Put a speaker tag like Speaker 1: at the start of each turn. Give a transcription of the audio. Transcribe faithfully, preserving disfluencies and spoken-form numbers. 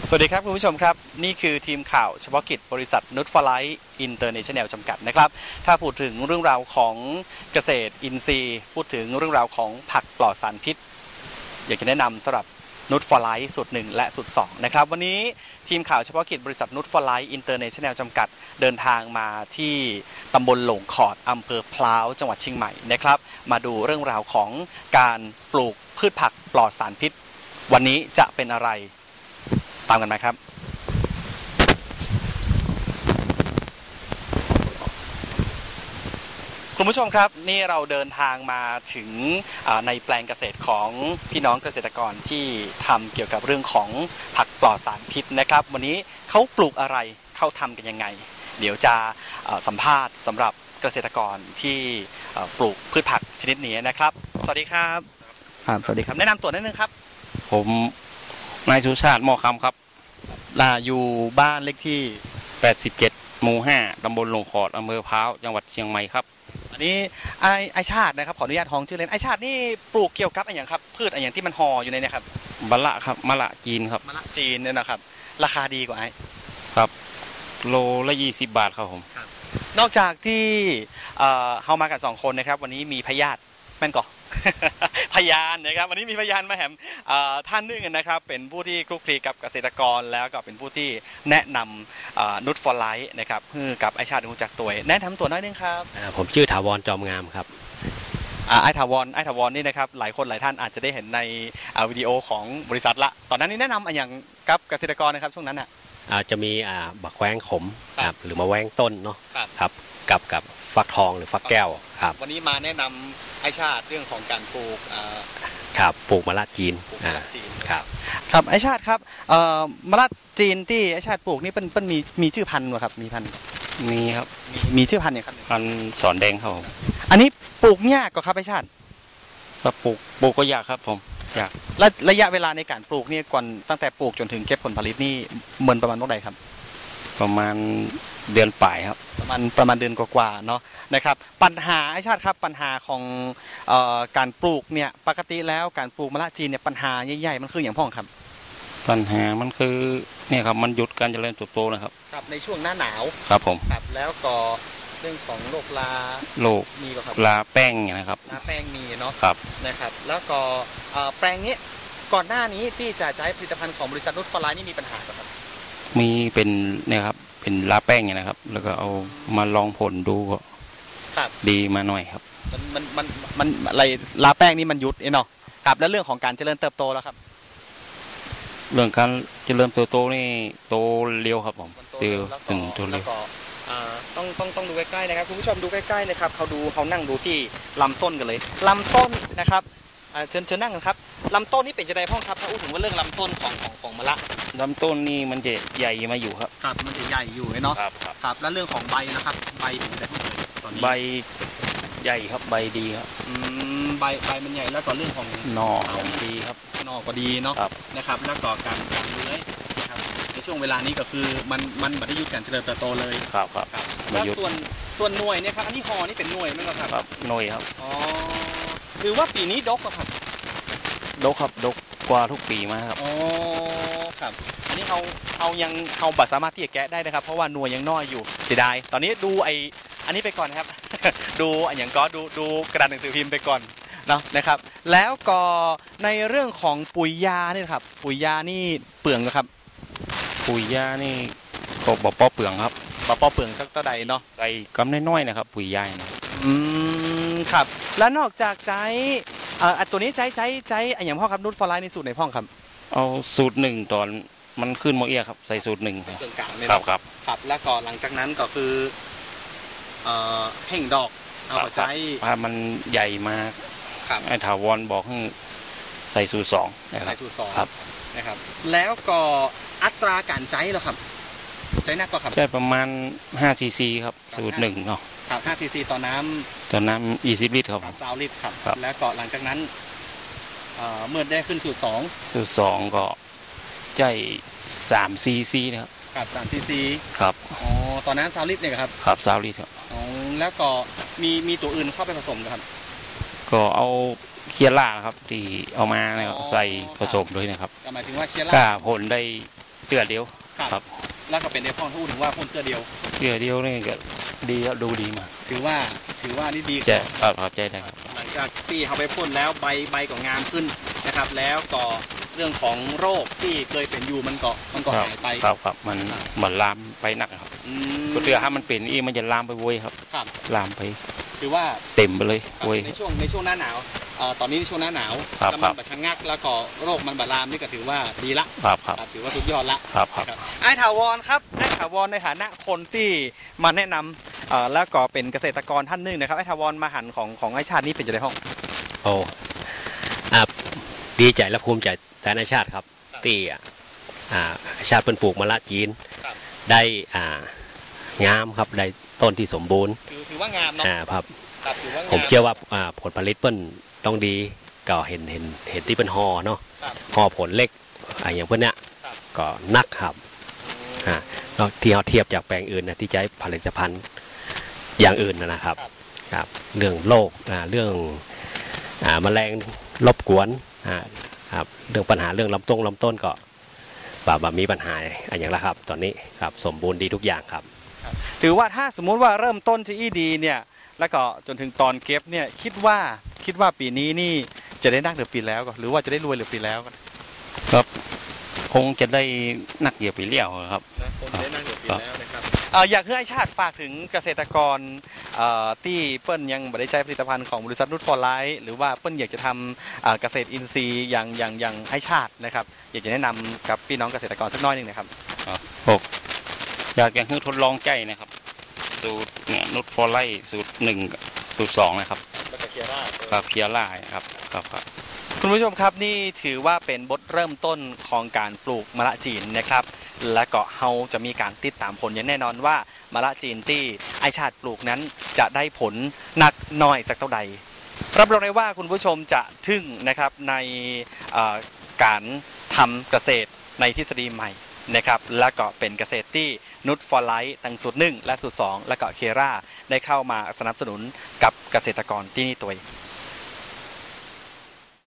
Speaker 1: สวัสดีครับคุณผู้ชมครับนี่คือทีมข่าวเฉพาะกิจบริษัทนุชฟลายอินเตอร์เนชั่นแนลจำกัดนะครับถ้าพูดถึงเรื่องราวของเกษตรอินทรีย์พูดถึงเรื่องราวของผักปลอดสารพิษอยากจะแนะนำสำหรับนุชฟลายสูตรหนึ่งและสูตรสองนะครับวันนี้ทีมข่าวเฉพาะกิจบริษัทนุชฟลายอินเตอร์เนชั่นแนลจำกัดเดินทางมาที่ตำบลหลงขอดอำเภอพร้าวจังหวัดเชียงใหม่นะครับมาดูเรื่องราวของการปลูกพืชผักปลอดสารพิษวันนี้จะเป็นอะไรตามกันมาครับคุณผู้ชมครับนี่เราเดินทางมาถึงในแปลงเกษตรของพี่น้องเกษตรกรที่ทำเกี่ยวกับเรื่องของผักปลอดสารพิษนะครับวันนี้เขาปลูกอะไรเขาทำกันยังไงเดี๋ยวจะสัมภาษณ์สำหรับเกษตรกรที่ปลูกพืชผักชนิดนี้นะครับสวัสดีครับครับสวัสดีครับแนะนำตัวนิดนึงครับ
Speaker 2: ผมนายสุชาติหม้อคำครับ
Speaker 1: อยู่บ้านเลขที่
Speaker 2: แปดสิบเจ็ดหมู่ห้าตำบลหลงขอดอำเภอพร้าวจังหวัดเชียงใหม่ครับ
Speaker 1: อันนี้ไอไอชาตินะครับขออนุญาตท้องชื่อเล่นไอชาตินี่ปลูกเกี่ยวกับอะไรอย่างครับพืชอะไรอย่างที่มันห่ออยู่ในนี้ครับ
Speaker 2: มะละครับมะละจีนครับ
Speaker 1: มะละจีนเนี่ยนะครับราคาดีกว่าไอ
Speaker 2: ครับโลละยี่สิบบาทครับผม
Speaker 1: นอกจากที่เอ่อเฮามากันสองคนนะครับวันนี้มีพยาธิแม่นก่อพยานนะครับวันนี้มีพยานมาแหมท่านนึงนะครับเป็นผู้ที่คลุกคลีกับเกษตรกรแล้วก็เป็นผู้ที่แนะนำนุชฟลายนะครับเพื่อกับไอชาติรู้จักตัวแนะนำตัวน้อยนึงครับ
Speaker 3: ผมชื่อถาวรจอมงามครับ
Speaker 1: ไอถาวรไอถาวรนี่นะครับหลายคนหลายท่านอาจจะได้เห็นในวิดีโอของบริษัทละตอนนั้นนี่แนะนำอย่างกับเกษตรกรนะครับช่วงนั้นอ่ะ
Speaker 3: จะมีบักแว้งขมครับหรือมาแว้งต้นเนาะครับกับกับฟักทองหรือฟักแก้วครับ
Speaker 1: วันนี้มาแนะนำไอชาติเรื่องของการปลูก
Speaker 3: ครับปลูกมะละจีน
Speaker 1: มะละจีน
Speaker 3: ครับ
Speaker 1: ครับไอชาติครับมะละจีนที่ไอชาติปลูกนี่เป็นเป็นมีมีชื่อพันธุ์ไหมครับมีพันธุ์
Speaker 2: มีครับ
Speaker 1: มีชื่อพันธุ์เนี่ยครับ
Speaker 2: พันธุ์สอนแดงครับผม
Speaker 1: อันนี้ปลูกยากกว่าครับไอชาติ
Speaker 2: ปลูกปลูกก็ยากครับผมยาก
Speaker 1: และระยะเวลาในการปลูกนี่ก่อนตั้งแต่ปลูกจนถึงเก็บผลผลิตนี่เหมือนประมาณเท่าไหร่ครับ
Speaker 2: ประมาณเดือนปลายครับ
Speaker 1: ประมาณประมาณเดือนกว่าๆเนาะนะครับปัญหาไอชาติครับปัญหาของเอ่อการปลูกเนี่ยปกติแล้วการปลูกมะละจีนเนี่ยปัญหาใหญ่ๆมันคืออย่างพ่องครับ
Speaker 2: ปัญหามันคือเนี่ยครับมันหยุดการเจริญเติบโตนะครับ
Speaker 1: ครับในช่วงหน้าหนาว
Speaker 2: ครับผม
Speaker 1: ครับแล้วก็เรื่องของโรคลา
Speaker 2: โรค
Speaker 1: มีป่ะครับ
Speaker 2: ลาแป้งนะครับ
Speaker 1: ลาแป้งมีเนาะ
Speaker 2: ครับ
Speaker 1: นะครับแล้วก็แปลงนี้ก่อนหน้านี้ที่จะใช้ผลิตภัณฑ์ของบริษัทนุชฟลายนี่มีปัญหาครับ
Speaker 2: มีเป็นเนี่ยครับเป็นลาแป้งเนี่ยนะครับแล้วก็เอามาลองผลดูก็ดีมาหน่อยครับ
Speaker 1: มันมันมันมันอะไรลาแป้งนี่มันยุดเนาะครับแล้วเรื่องของการเจริญเติบโตแล้วครับ
Speaker 2: เรื่องการเจริญเติบโตนี่โตเร็วครับผมเติบถึงโตเร็ว
Speaker 1: ต้องต้องต้องดูใกล้ๆนะครับคุณผู้ชมดูใกล้ๆนะครับเขาดูเขานั่งดูที่ลำต้นกันเลยลำต้นนะครับเชิญเชิญนั่งกันครับลำต้นนี่เป็นจะได้พ่องครับถ้าพูดถึงว่าเรื่องลำต้นของของของมะละ
Speaker 2: ลำต้นนี่มันจะใหญ่มาอยู่ครับ
Speaker 1: ครับมันจะใหญ่อยู่เนาะ
Speaker 2: ครับ
Speaker 1: ครับแล้วเรื่องของใบนะครับใบเป็นจะได้พ่องตอนนี้
Speaker 2: ใบใหญ่ครับใบดีครับ
Speaker 1: อืมใบใบมันใหญ่แล้วก็เรื่องของ
Speaker 2: หน่อดีครับ
Speaker 1: หน่อก็ดีเนาะนะครับแล้วก็การการเลื้อยนะครับในช่วงเวลานี้ก็คือมันมันไม่ได้หยุดการเจริญเติบโตเลย
Speaker 2: ครับครับ
Speaker 1: แล้วส่วนส่วนหน่วยเนี่ยครับอันนี้ห่อนี่เป็นหน่วยไหมครับ
Speaker 2: ครับหน่วยครับ
Speaker 1: อ๋อคือว่าปีนี้ดกครับ
Speaker 2: ดกครับดกกว่าทุกปีมาครับ
Speaker 1: อ๋อครับอันนี้เขาเขายังเขาบัตรสามารถที่จะแกะได้นะครับเพราะว่าหน่วยยังน้อยอยู่เสียดายตอนนี้ดูไออันนี้ไปก่อนนะครับ ดูอย่างก็ดูดูกระดาษหนังสือพิมพ์ไปก่อนเนาะนะครับแล้วก็ในเรื่องของปุ๋ยยานี่ครับปุ๋ยยานี่เปลืองครับ
Speaker 2: ปุ๋ยยานี่ก็บ่ป้อเปลืองครับ
Speaker 1: บ่ป้อเปลืองสักเท่าใดเนาะ
Speaker 2: ใส่กำน้อยๆนะครับปุ๋ยยา
Speaker 1: อืมครับแล้วนอกจากใจอ่าตัวนี้ใจใจใจอย่างพ่อครับนุชฟลายในสูตรไหนพ่อครับ
Speaker 2: เอาสูตรหนึ่งตอนมันขึ้นโมเอียครับใส่สูตรหนึ่ง
Speaker 1: ครับครับครับแล้วก็หลังจากนั้นก็คือเอ่อเพ่งดอกเอาใจ
Speaker 2: ถ้ามันใหญ่มากไอ้ถาวรบอกให้ใส่สูตรสอง
Speaker 1: ใส่สูตรสอง
Speaker 2: ครับ
Speaker 1: นะครับแล้วก็อัตราการใจเหรอครับใจหนักก็ครับ
Speaker 2: ใช่ประมาณห้าซีซีครับสูตรหนึ่งเนาะ
Speaker 1: ครับห้าซีซีต่อน้ำ
Speaker 2: ต่อน้ำยี่สิบลิตรครับ
Speaker 1: สามลิตรครับแล้วก็หลังจากนั้นเมื่อได้ขึ้นสูตรสอง
Speaker 2: สูตรสองก็ใจสามซีซีนะครับ
Speaker 1: ครับสามซีซี
Speaker 2: ครับ
Speaker 1: อ๋อตอนนั้นสามลิตรเนี่ยครับ
Speaker 2: ครับสามลิตรครับ
Speaker 1: อ๋อแล้วก็มีมีตัวอื่นเข้าไปผสมครับ
Speaker 2: ก็เอาเคียร่าครับที่เอามาเนี่ยใส่ผสมด้วยนะครับ
Speaker 1: หมายถึงว่าเคียร่า
Speaker 2: ก็ผลได้ตื้อเดียวครับ
Speaker 1: แล้วก็เป็นในพ่อพูดถึงว่าพ่นเตื้อเดียว
Speaker 2: เตื้อเดียวนี่ก็ดีแล้วดูดีมาก
Speaker 1: ถือว่าถือว่านี่ดี
Speaker 2: ใจครับครับใจได้ครับ
Speaker 1: หลังจากที่เขาไปพ่นแล้วใบใบก็งามขึ้นนะครับ แล้วก็เรื่องของโรคที่เคยเป็นอยู่มันก็มันก็หายไป
Speaker 2: ครับครับมันเหมือนลามไปนักครับก็เตื้อถ้ามันเป็นอีมันจะลามไปโวยครับลามไป
Speaker 1: ถือว่า
Speaker 2: เต็มไปเลยโวย
Speaker 1: ในช่วงในช่วงหน้าหนาวตอนนี้ในช่วงหน้าหนาวแล้วมันแบบชะงักแล้วก็โรคมันบาลามนี่ก็ถือว่าดีละ
Speaker 2: ครับครับ
Speaker 1: ถือว่าสุดยอดละ
Speaker 2: ครับครับ
Speaker 1: ไอ้ถาวรครับไอ้ถาวรในฐานะคนที่มาแนะนำแล้วก็เป็นเกษตรกรท่านหนึ่งนะครับไอ้ถาวรมาหันของของไอ้ชาตินี่เป็นจะได้ห้อง
Speaker 3: โอ้อ่าดีใจและภูมิใจแต่ในชาติครับที่อ่าชาติเป็นปลูกมะละจีนได้อ่างามครับได้ต้นที่สมบูรณ์
Speaker 1: ถือว่างามเนาะ
Speaker 3: ครับผมเชื่อว่าผลผลิตเปิ้ลต้องดีก็เห็นเห็นเห็นที่เป็นห่อเนาะห่อผลเล็กอย่างเพื่อนเนี้ยก็นักครับที่เราเทียบจากแปลงอื่นนะที่ใช้ผลิตภัณฑ์อย่างอื่นนะครับครับเรื่องโรคเรื่องแมลงรบกวนครับเรื่องปัญหาเรื่องลำต้นลำต้นก็แบบมีปัญหาอย่างไรครับตอนนี้ครับสมบูรณ์ดีทุกอย่างครับ
Speaker 1: ถือว่าถ้าสมมุติว่าเริ่มต้นที่ดีเนี่ยแล้วก็จนถึงตอนเก็บเนี่ยคิดว่าคิดว่าปีนี้นี่จะได้นักหรือปีแล้วก็หรือว่าจะได้รวยหรือปีแล้ว
Speaker 2: ครับคงจะได้นักเกี่ยวปีเลี้ยวครับ
Speaker 1: คงได้นักเกี่ยวปีแล้วนะครับอยากให้ไอ้ชาติฝากถึงเกษตรกรที่เปิ้ลยังไม่ได้ใช้ผลิตภัณฑ์ของบริษัทนุชฟอร์ไลท์หรือว่าเปิ้ลอยากจะทำเกษตรอินทรีย์อย่างอย่างอย่างไอ้ชาตินะครับอยากจะแนะนำกับพี่น้องเกษตรกรสักน้อยหนึ่งนะครับ
Speaker 2: อยากยังให้ทดลองใจนะครับสูตรเนี่ยนุชฟอร์ไลท์สูตรหนึ่งสูตรสองนะครับครับเคียร่าครับครับครับ
Speaker 1: คุณผู้ชมครับนี่ถือว่าเป็นบทเริ่มต้นของการปลูกมะละจีนนะครับและก็เฮาจะมีการติดตามผลอย่างแน่นอนว่ามะละจีนที่ไอชาติปลูกนั้นจะได้ผลหนักน้อยสักเท่าใดรับรองได้ว่าคุณผู้ชมจะทึ่งนะครับในการทำเกษตรในทฤษฎีใหม่นะครับและก็เป็นเกษตรที่นุชฟอร์ไลท์ตั้งสูตรหนึ่งและสูตรสองและก็เคราได้เข้ามาสนับสนุนกับเกษตรกรที่นี่ตัว